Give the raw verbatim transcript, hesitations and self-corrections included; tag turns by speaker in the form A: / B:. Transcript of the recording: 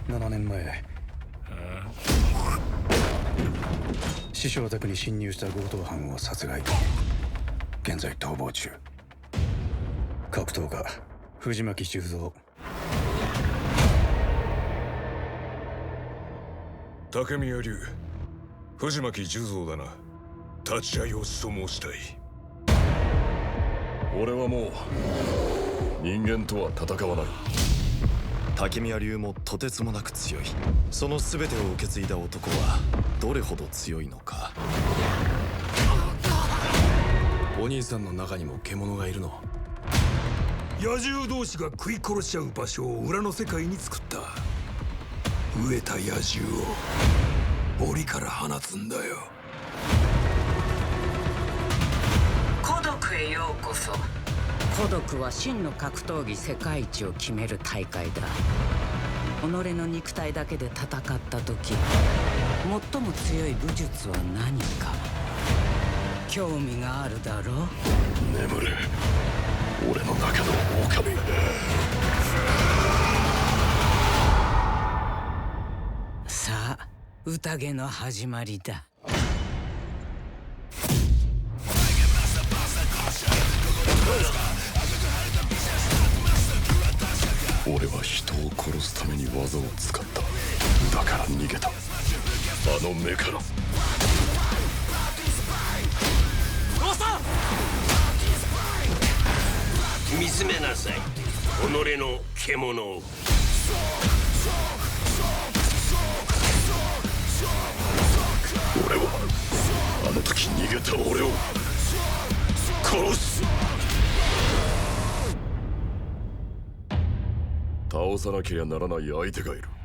A: ななねんまえ、師匠宅に侵入した強盗犯を殺害。現在逃亡中。格闘家藤巻十三。
B: 竹宮流、藤巻十三だな。立ち会いを所望したい。
C: 俺はもう人間とは戦わない。
D: 竹宮流もとてつもなく強い。その全てを受け継いだ男はどれほど強いのか。
E: お兄さんの中にも獣がいるの？
F: 野獣同士が食い殺し合う場所を裏の世界に作った。飢えた野獣を檻から放つんだよ。
G: 孤独へようこそ。孤独は真の格闘技世界一を決める大会だ。己の肉体だけで戦った時、最も強い武術は何か興味があるだろう。
C: 眠れ、俺の中の狼。
G: さあ、宴の始まりだ。
C: 俺は人を殺すために技を使った。だから逃げた。あの目から。
H: おさん、
I: 見つめなさい、己の獣を。
C: 俺はあの時逃げた俺を殺す。倒さなけりゃならない相手がいる。